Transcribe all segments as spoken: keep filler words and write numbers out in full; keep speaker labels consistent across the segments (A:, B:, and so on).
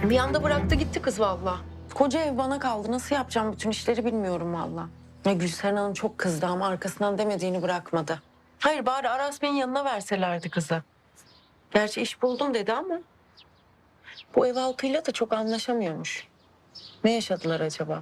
A: Bir anda bıraktı gitti kız vallahi. Koca ev bana kaldı. Nasıl yapacağım bütün işleri bilmiyorum vallahi. Ya Gülseren Hanım çok kızdı ama arkasından demediğini bırakmadı. Hayır bari Aras Bey'in yanına verselerdi kızı. Gerçi iş buldum dedi ama bu ev halkıyla da çok anlaşamıyormuş. Ne yaşadılar acaba?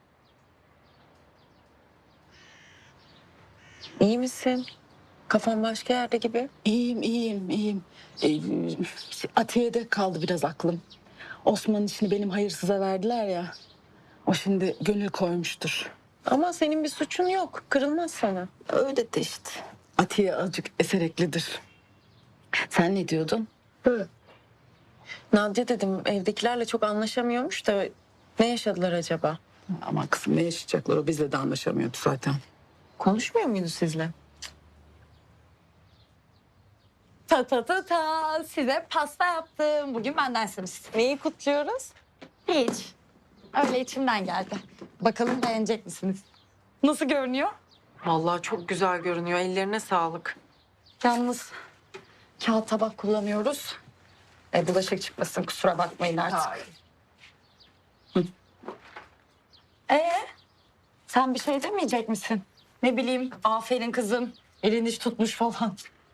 A: İyi misin? Kafan başka yerde gibi.
B: İyiyim, iyiyim, iyiyim. Ee, Atiye'de kaldı biraz aklım. Osman'ın işini benim hayırsıza verdiler ya. O şimdi gönül koymuştur.
A: Ama senin bir suçun yok. Kırılmaz sana.
B: Öyle de işte. Atiye azıcık esereklidir. Sen ne diyordun?
A: Nadia dedim evdekilerle çok anlaşamıyormuş da ne yaşadılar acaba?
B: Aman kızım ne yaşayacaklar, o bizle de anlaşamıyordu zaten.
A: Konuşmuyor muydu sizle?
C: Ta ta ta ta size pasta yaptım. Bugün bendensiniz.
A: Neyi kutluyoruz?
C: Hiç. Öyle içimden geldi. Bakalım beğenecek misiniz? Nasıl görünüyor?
A: Vallahi çok güzel görünüyor. Ellerine sağlık.
C: Yalnız kağıt tabak kullanıyoruz. E, bulaşık çıkmasın kusura bakmayın artık. Ee, sen bir şey demeyecek misin? Ne bileyim aferin kızım. Elin iş tutmuş falan.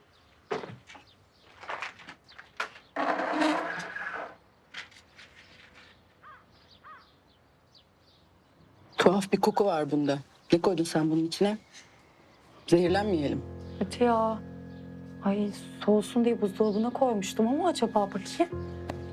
B: Tuhaf bir koku var bunda. Ne koydun sen bunun içine? Zehirlenmeyelim.
C: Kötü ya. Ay soğusun diye buzdolabına koymuştum ama acaba bakayım.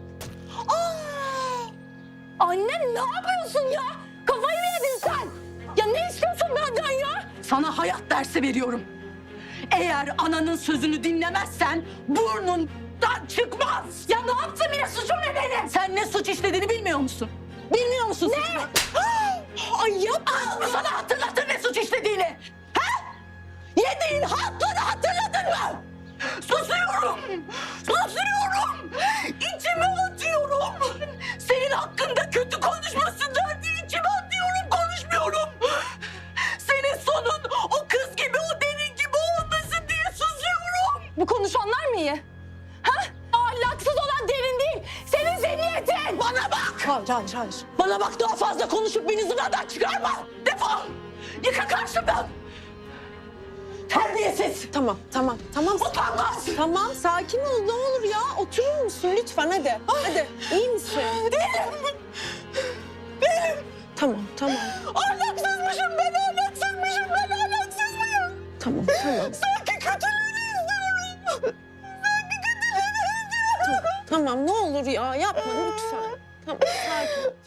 C: Aa! Anne ne yapıyorsun ya? Kafayı mı yedin sen? Ya ne istiyorsun benden ya?
B: Sana hayat dersi veriyorum. Eğer ananın sözünü dinlemezsen burnundan çıkmaz.
C: Ya ne yaptım yine suçum ne benim?
B: Sen ne suç işlediğini bilmiyor musun? Bilmiyor musun? Ne?
C: Ay yapma.
B: Sana hatırlatır ne suç işlediğini. Ha? Yediğin hatları hatırladın mı? Susuyorum. Susuyorum. İçime atıyorum. Senin hakkında kötü konuşmasınlar diye içime atıyorum, konuşmuyorum. Senin sonun o kız gibi, o derin gibi olmasın diye susuyorum.
C: Bu konuşanlar mı iyi? Ha? Ahlaksız olan derin değil. Senin zihniyetin.
B: Bana bak.
C: Hayır, hayır, hayır.
B: Bana bak, daha fazla konuşup beni zınadan çıkarma. Defol. Yıkı karşımdan. Terbiyesiz.
A: Tamam, tamam, tamam.
B: Utanmaz.
A: Tamam, sakin ol ne olur ya. Oturur musun lütfen hadi. Hadi, iyi misin?
B: Değilim. Değilim.
A: Tamam, tamam.
B: Ahlaksızmışım ben, ahlaksızmışım ben, ahlaksız mıyım?
A: Tamam, tamam.
B: Sanki kötülüğünü istiyorum. Sanki kötülüğünü istiyorum.
A: Tamam, ne olur ya yapma lütfen. Tamam, sakin ol.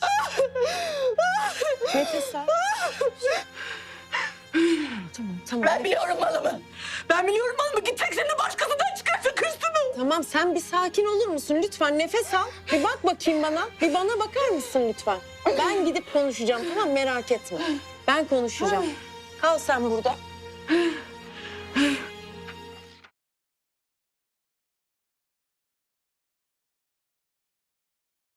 A: Nefes al. Tamam, tamam.
B: Ben biliyorum malımı. Ben biliyorum malımı. Gidecek şimdi başkasından çıkarsa kırsını.
A: Tamam, sen bir sakin olur musun? Lütfen nefes al. Bir bak bakayım bana. Bir bana bakar mısın lütfen? Ben gidip konuşacağım, tamam merak etme. Ben konuşacağım. Kal sen burada.